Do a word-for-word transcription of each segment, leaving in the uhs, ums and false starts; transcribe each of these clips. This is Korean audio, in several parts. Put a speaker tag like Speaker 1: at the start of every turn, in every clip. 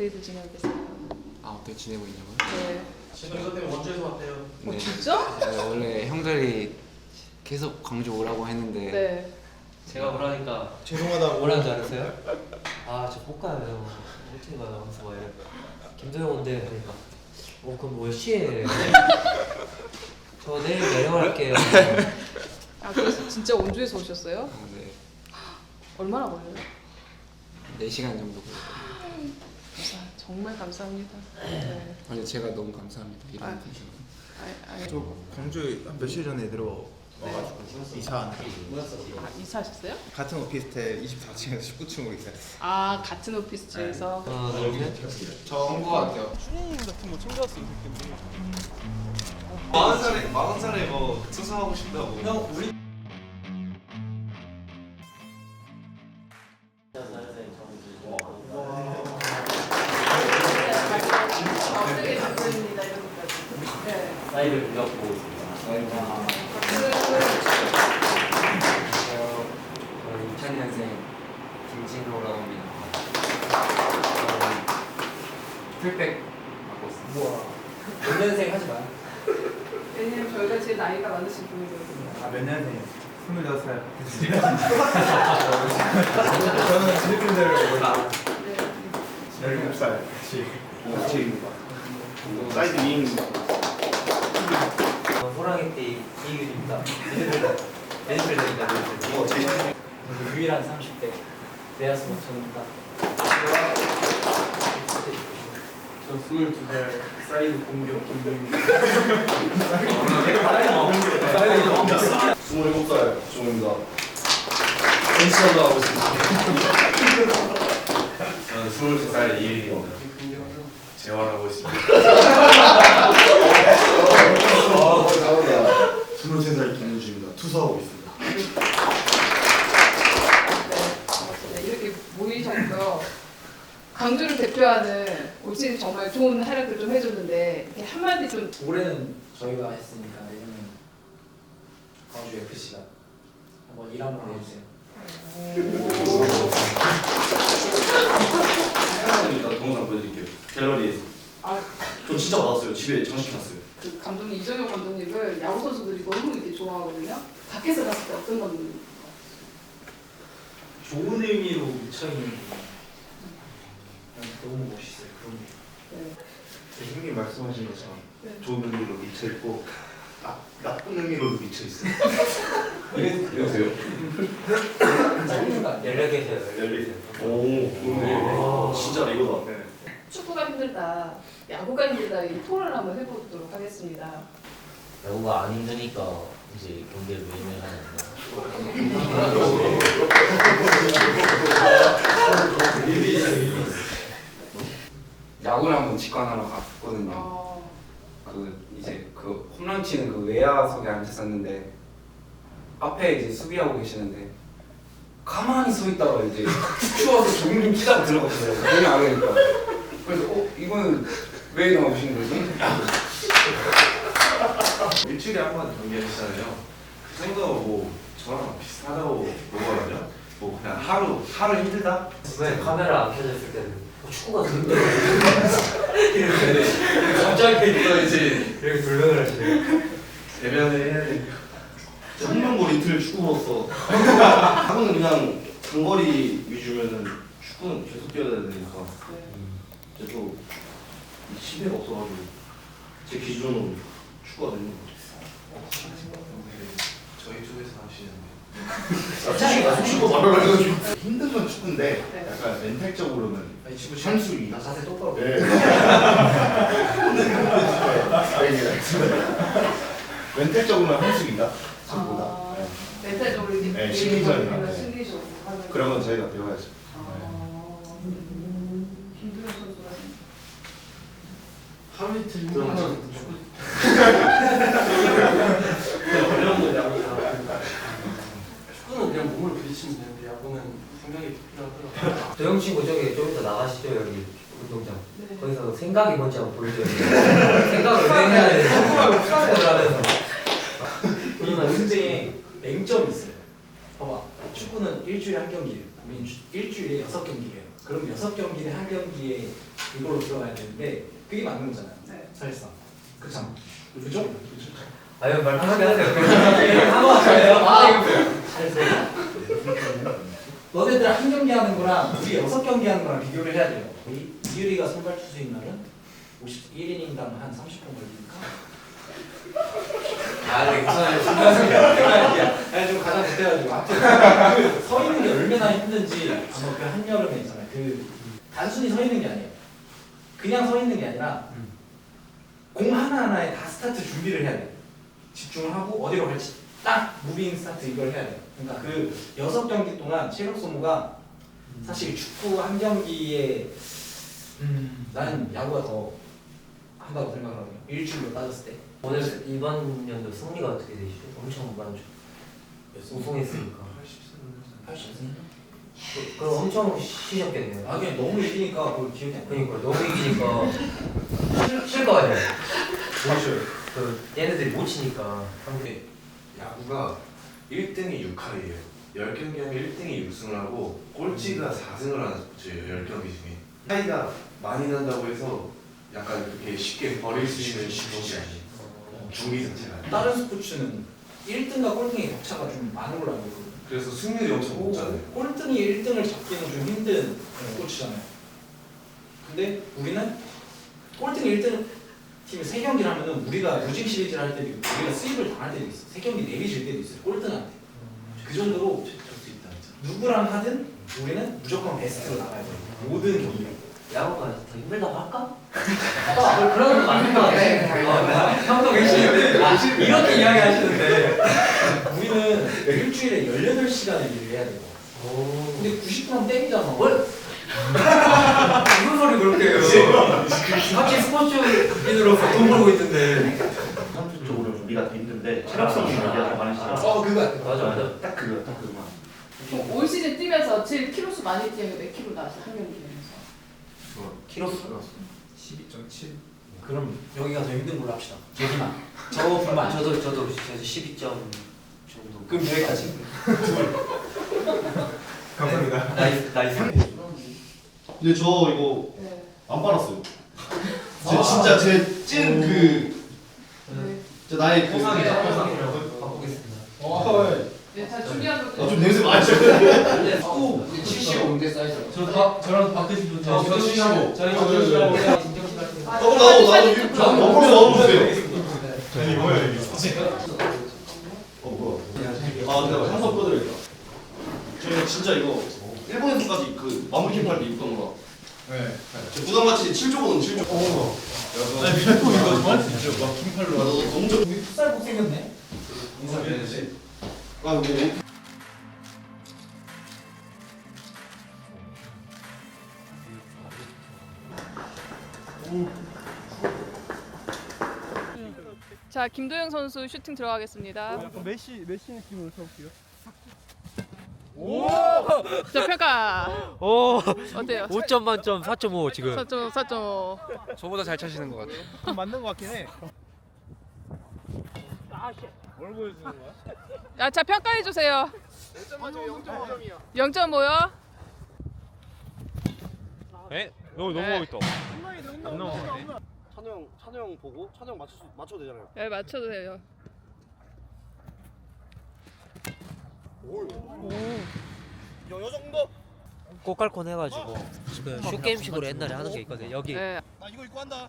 Speaker 1: 어떻게들 지내고 계세요?
Speaker 2: 아 어떻게 지내고 있냐고요?
Speaker 1: 네.
Speaker 3: 지금 이것 때문에 원주에서 왔대요.
Speaker 1: 어, 진짜?
Speaker 2: 네, 원래 형들이 계속 광주 오라고 했는데
Speaker 1: 네.
Speaker 4: 제가 뭐라니까
Speaker 3: 죄송하다고.
Speaker 4: 뭐라는 줄 알았어요? 아 저 못 가요 형. 일찍 가요. 그래서 막 이래. 김도영 온대 그러니까 어 그럼 뭐 몇 시에 저 내일 내려갈게요.
Speaker 1: 아 그래서 진짜 원주에서 오셨어요?
Speaker 2: 아, 네,
Speaker 1: 얼마나 걸려요?
Speaker 2: 네 시간 정도 걸렸거든요.
Speaker 1: 감사, 정말 감사합니다. 네.
Speaker 2: 아니 제가 너무 감사합니다. 이런
Speaker 1: 아.
Speaker 2: 분이셔서.
Speaker 1: 아, 아,
Speaker 3: 저 광주 한 며칠 전에 들어와가지고 이사하는
Speaker 1: 아 이사하셨어요?
Speaker 3: 같은 오피스텔 이십사 층에서 십구 층으로 있어요.
Speaker 1: 아 같은 오피스텔에서.
Speaker 4: 하나 둘셋
Speaker 2: 좋은 거 같아요.
Speaker 5: 마흔 살에 마흔 살에 뭐 수사하고 싶다고.
Speaker 4: 형 우리
Speaker 1: 어떻게 답변입니다 이런 것까지. 네.
Speaker 4: 나이를 누가 보고 있습니다.
Speaker 2: 저는 이천 년생 김진호라고 합니다. 저는 풀백 맡고 있습니다.
Speaker 4: 몇 년생 하지 마.
Speaker 1: 왜냐면 저희가 제일 나이가 많으신 분이거든요.
Speaker 3: 아 몇 년생이요? 스물여섯 살. 저는 필리핀대로
Speaker 1: 네.
Speaker 3: 열일곱 살. 같이.
Speaker 5: 사이드 위입니다.
Speaker 4: 호랑이띠 이글입니다. 메디컬입니다.
Speaker 5: 어, 제일
Speaker 4: 유일한 삼십 대 내야스 모천입니다. 저 스물두 살 사이드 공격 김동입니다.
Speaker 5: 스물일곱 살 종입니다. 펜션도 하고 있습니다. 저는 스물세 살 이일입니다. 재활하고 있습니다. 스물세 살 김유주입니다. 투사하고 있습니다.
Speaker 1: 네, 이렇게 모이셨고요. 광주를 대표하는 올시즌 정말 좋은 활약을 좀 해줬는데 이렇게 한마디 좀.
Speaker 6: 올해는 저희가 했으니까 내년은 광주 에프씨가 한번 일 한번 해주세요.
Speaker 5: 사장님이다 동영상 보여드릴게요. 갤러리에서.
Speaker 1: 아,
Speaker 5: 저 진짜 받았어요. 집에 장식해놨어요.
Speaker 1: 그 감독님 이정효 감독님을 야구 선수들이 너무 이렇게 좋아하거든요. 밖에서 봤을 때 어떤 감독님?
Speaker 6: 좋은 의미로 미쳐있는 게 너무 멋있어요. 그런 게.
Speaker 1: 네.
Speaker 5: 형님 말씀하신 것처럼
Speaker 1: 네.
Speaker 5: 좋은 의미로 미쳐있고 나, 나쁜 의미로도 미쳐있어요. 그러세요?
Speaker 4: 열네 개세요. 열네 개.
Speaker 5: 오, 진짜 이거다.
Speaker 1: 축구가 힘들다, 야구가 힘들다 이 토론을 한번 해보도록 하겠습니다.
Speaker 4: 야구가 안 힘드니까 이제 경기를 매일매일 하는
Speaker 2: 야구를 한번 직관하러 갔거든요.
Speaker 1: 어,
Speaker 2: 그 이제 그 홈런 치는 그 외야석에 앉았었는데 앞에 이제 수비하고 계시는데 가만히 서 있다가 이제 추워서 종이 찌다가 들어가시더라고요. 전혀 안 오니까. 그래서 어 이거는 왜 나오신 거지?
Speaker 5: 일주일에 한 번 경기했잖아요. 그 정도 뭐 저랑 비슷하다고 보거든요. 뭐 그냥 하루 하루 힘들다.
Speaker 4: 왜 카메라 안 켜졌을 때는 어, 축구가 힘들어. 이렇게 갑자기
Speaker 5: 또 이제
Speaker 4: 이렇게 불명을 하시네요.
Speaker 5: 대면을 해야 되니까. 한명골 이틀 축구로서 야구는 그냥 장거리 위주면은 축구는 계속 뛰어야 되니까
Speaker 1: 네.
Speaker 5: 이제 또 시대가 없어가지고 제 기준으로 축구가 되는 거죠. 저희 쪽에서 하시는데 아, 축구 말하려고 힘든 건 축구인데
Speaker 1: 네.
Speaker 5: 약간 멘탈적으로는
Speaker 6: 아니 지금
Speaker 5: 산수이
Speaker 6: 나 자세 똑바로.
Speaker 5: 네. 멘탈적으로는 한수이다 축구보다.
Speaker 1: 아,
Speaker 5: 네.
Speaker 1: 멘탈적으로 이렇게
Speaker 5: 네, 심리전이나, 네.
Speaker 1: 심리적으로 하는.
Speaker 5: 그런 건 저희가 배워야죠.
Speaker 1: 아, 음, 김도현 선수가
Speaker 6: 하루 이틀
Speaker 5: 그럼
Speaker 6: 힘들면
Speaker 5: 저-
Speaker 6: 축구.
Speaker 4: 어려운 건 야구다.
Speaker 7: 축구는 그냥 몸을 부딪히면 되는데 야구는 생각이 필요하더라고요.
Speaker 4: 도영 친구 저기 좀 이따 나가시죠 여기 운동장.
Speaker 1: 네.
Speaker 4: 거기서 생각이 뭔지 한번 보여줘요. 생각을 왜 해야 되는지 생각을 하면서.
Speaker 6: 그러니까 근데 맹점이 있어요. 봐봐, 축구는 일주일에 한 경기예요. 우리는 주- 일주일에 여섯 경기예요. 그럼 여섯 경기에 한 경기에 이걸로 들어가야 되는데 그게 맞는 거잖아요.
Speaker 1: 네.
Speaker 6: 사실상 그렇잖아. 그죠?
Speaker 4: 아유 말 편하게 하세요. 한번 하세요. 아 이거 잘했어요.
Speaker 6: 너네들 한 경기 하는 거랑 우리 여섯 경기 하는 거랑 비교를 해야 돼요. 이- 이유리가 선발 투수인 날은 오십일 이닝당 한 삼십 분 걸리니까.
Speaker 4: 아 네, 괜찮아요.
Speaker 6: 아니 좀 가장 못해가지고 아무튼 그서 있는 게 얼마나 힘든지 아마 그 한여름에 있잖아요. 그 단순히 서 있는 게 아니에요. 그냥 서 있는 게 아니라 공 하나 하나에 다 스타트 준비를 해야 돼. 집중을 하고 어디로 갈지 딱 무빙 스타트 이걸 해야 돼. 그러니까 그 여섯 경기 동안 체력 소모가 사실 축구 한 경기에 음, 나는 야구가 더 한다고 생각하거든요. 일주일로 따졌을 때.
Speaker 4: 오늘 이번 연도 승리가 어떻게 되시죠? 엄청 많죠. 우승했으니까.
Speaker 6: 팔십 승?
Speaker 4: 그- 그럼 엄청 쉬셨겠네요.
Speaker 6: 아 그냥 너무 이기니까 그걸 기억이 안 나.
Speaker 4: 그러니까 너무 이기니까 쉴거 아니에요. 그 얘네들이 못 치니까.
Speaker 8: 한게 야구가 일 등이 육 할이에요. 십 경기 하면 일 등이 육 승을 하고 꼴찌가 사 승을 하는 스포츠예요. 십 경기 중에. 차이가 많이 난다고 해서 약간 그렇게 쉽게 버릴 수 있는 경기 아니에요. 중위 자체가.
Speaker 6: 다른 스포츠는 일 등과 꼴등의 격차가 좀 많은 걸로 알고 있거든요.
Speaker 8: 그래서 승률이 엄청 높잖아요.
Speaker 6: 꼴등이 일 등을 잡기는 좀 힘든 스포츠잖아요. 근데 우리는 꼴등이 일 등 팀이 세 경기를 하면은 우리가 무직 시리즈를 할 때도 있고 우리가 수입을 당할 때도 있어. 세 경기 내리질 때도 있어요. 꼴등한테. 그 정도로
Speaker 8: 할수 있다 진짜.
Speaker 6: 누구랑 하든 우리는 무조건 베스트로 나가야 돼요. 모든 경기.
Speaker 4: 야구가 더 힘들다고 할까?
Speaker 6: 아, 그런 거 맞는 거 같아.
Speaker 4: 형도 계시는데 아, 이렇게 이야기하시는데.
Speaker 6: 우리는 일주일에 열여덟 시간을 일을 해야 돼요.
Speaker 4: 오.
Speaker 6: 근데 구십 분 하면 땡이잖아.
Speaker 4: 뭘? 무슨 소리 그렇게 해요? 확실히 스포츠인으로서 돈 벌고 있는데.
Speaker 5: 선수 쪽으로 우리가 더 힘든데 체력성이 우리가 더 많이 시죠.
Speaker 6: 어, 그거 같아.
Speaker 4: 맞아 맞아.
Speaker 5: 딱 그거 딱 그거만.
Speaker 1: 그럼 올 시즌 뛰면서 제일 키로수 많이 뛰는 게 몇 킬로 나왔어요? 한 경기 뛰면서.
Speaker 4: 키로수?
Speaker 3: 십이 점 칠.
Speaker 6: 그럼 여기가 더 힘든 걸로 합시다. 여기만. 저 분만.
Speaker 4: 저도 저도 저도 십이 점 정도.
Speaker 6: 그럼 여기까지.
Speaker 3: 감사합니다.
Speaker 4: 나이스 나이스.
Speaker 5: 근데 저 이거
Speaker 1: 네.
Speaker 5: 안 빨았어요. 제 진짜 제 찐 그
Speaker 1: 네.
Speaker 5: 저 나의 그
Speaker 4: 포상이죠
Speaker 1: 네.
Speaker 4: 포상이라고 바꾸겠습니다.
Speaker 1: 네, 다 준비한 것들.
Speaker 5: 아, 좀 냄새 많이 나요.
Speaker 6: 오, 칠십오 대 사이즈.
Speaker 7: 저 다, 저랑 바꾸신 분
Speaker 4: 저
Speaker 7: 저
Speaker 4: 칠십오.
Speaker 7: 저희
Speaker 5: 아,
Speaker 7: 저희
Speaker 5: 네, 네.
Speaker 7: 진정신 같은 거.
Speaker 1: 아,
Speaker 5: 너무 나오고 나도
Speaker 1: 사진
Speaker 5: 이거
Speaker 1: 좀
Speaker 5: 저
Speaker 1: 보여요.
Speaker 5: 너무 넣어주세요.
Speaker 3: 아니 뭐야 이게?
Speaker 5: 어 뭐야? 아 내가 한번 꺼드려야겠다. 저희가 진짜 이거 일본에서까지 그 마무리 캠프할 때 입던 거라.
Speaker 3: 네.
Speaker 5: 저 부담같이 칠 조거든 칠 조.
Speaker 3: 아니 밀고 이거 저한테 진짜 막 킹팔로.
Speaker 5: 아, 너 너무 좋.
Speaker 6: 우리 풋살복 생겼네.
Speaker 3: 인사해야지.
Speaker 5: 아 근데
Speaker 1: 자, 김도영 선수 슈팅 들어가겠습니다.
Speaker 3: 약간 메시 메시 느낌으로 쳐볼게요.
Speaker 1: 자, 평가.
Speaker 4: 오.
Speaker 1: 어때요?
Speaker 4: 오 점 만점 사 점 오 지금.
Speaker 1: 사 점 오, 사 점 오.
Speaker 7: 저보다 잘 차시는 것 같아요.
Speaker 3: 좀 맞는 것 같긴 해. 뭘 보여주는 거야?
Speaker 1: 야, 자, 평가해 주세요. 영 점 오요?
Speaker 3: 에? 너무
Speaker 1: 넘어가고
Speaker 3: 있다. 안 넘어가네.
Speaker 5: 찬우 형 찬우 형 보고 찬우 형 맞춰 맞춰도 되잖아요.
Speaker 1: 네, 맞춰도 돼요.
Speaker 5: 요 정도.
Speaker 4: 꽃갈콘 해가지고 그 쇼게임식으로 옛날에 하는 게 있거든. 여기
Speaker 1: 네.
Speaker 5: 나 이거 입고 한다.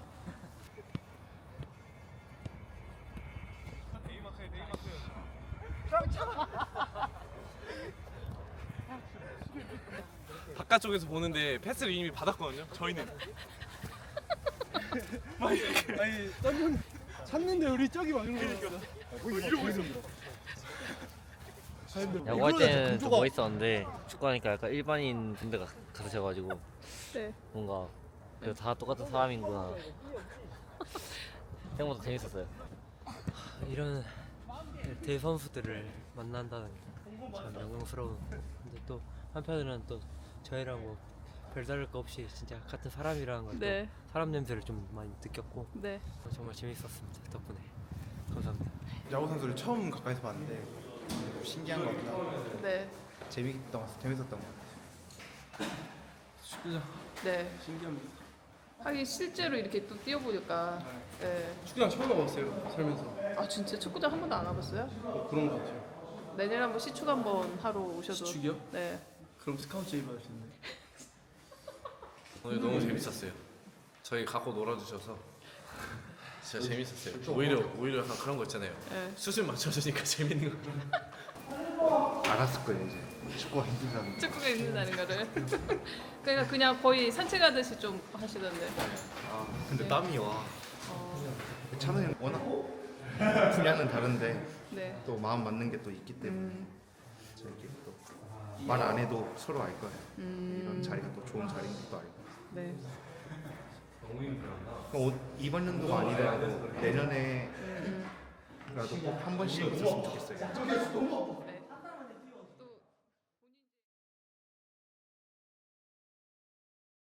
Speaker 7: 바깥쪽에서 보는데 패스를 이미 받았거든요. 저희는. 막 이렇게.
Speaker 3: 아니 딴 찾는데 우리 저기 맞은 거였어. 뭐 이러고 있어.
Speaker 9: 야구할 때는 좀 멋있었는데 축구하니까 약간 일반인 분들 같으셔가지고
Speaker 1: 네.
Speaker 9: 뭔가 그래도 다 똑같은 사람이구나 생각보다 재밌었어요.
Speaker 4: 이런 대 선수들을 만난다는 게 참 영광스러운. 근데 또 한편으로는 또 저희랑 뭐 별다를 거 없이 진짜 같은 사람이라는 걸 또
Speaker 1: 네.
Speaker 4: 사람 냄새를 좀 많이 느꼈고
Speaker 1: 네.
Speaker 4: 정말 재밌었습니다. 덕분에 감사합니다.
Speaker 3: 야구 선수를 처음 가까이서 봤는데 좀 신기한 것 같다.
Speaker 1: 네.
Speaker 3: 재밌던 것 같아. 재밌었던 것 같아.
Speaker 7: 축구장
Speaker 1: 네.
Speaker 7: 신기합니다.
Speaker 1: 하긴 실제로 이렇게 또 뛰어보니까. 네.
Speaker 7: 축구장 처음 와봤어요 살면서.
Speaker 1: 아 진짜 축구장 한 번도 안 와봤어요?
Speaker 7: 뭐 그런 거 같아요.
Speaker 1: 내년에 한번 시축 한번 하러 오셔도.
Speaker 7: 시축이요?
Speaker 1: 네.
Speaker 7: 그럼 스카우트 제의 받을 수 있는데.
Speaker 8: 오늘 너무 재밌었어요. 저희 갖고 놀아주셔서 진짜 재밌었어요. 오히려 오히려 약간 그런 거 있잖아요.
Speaker 1: 네.
Speaker 8: 수술 맞춰주니까 재밌는 거.
Speaker 3: 알았을 거예요 이제 축구가 힘들다는.
Speaker 1: 축구가 있는다는 거를. 그러니까 그냥 거의 산책하듯이 좀 하시던데.
Speaker 3: 아 근데 땀이 와.
Speaker 1: 어,
Speaker 3: 찬우 형 워낙 분야는 다른데
Speaker 1: 네.
Speaker 3: 또 마음 맞는 게 또 있기 때문에
Speaker 1: 음,
Speaker 3: 저렇게 또 말 안 해도 서로 알 거예요.
Speaker 1: 음,
Speaker 3: 이런 자리가 또 좋은 자리인 것도 알고.
Speaker 1: 네.
Speaker 3: 어, 이번 연도가 아니더라도 내년에라도
Speaker 1: 음,
Speaker 3: 꼭 한 번씩 있었으면 좋겠어요.
Speaker 1: 네.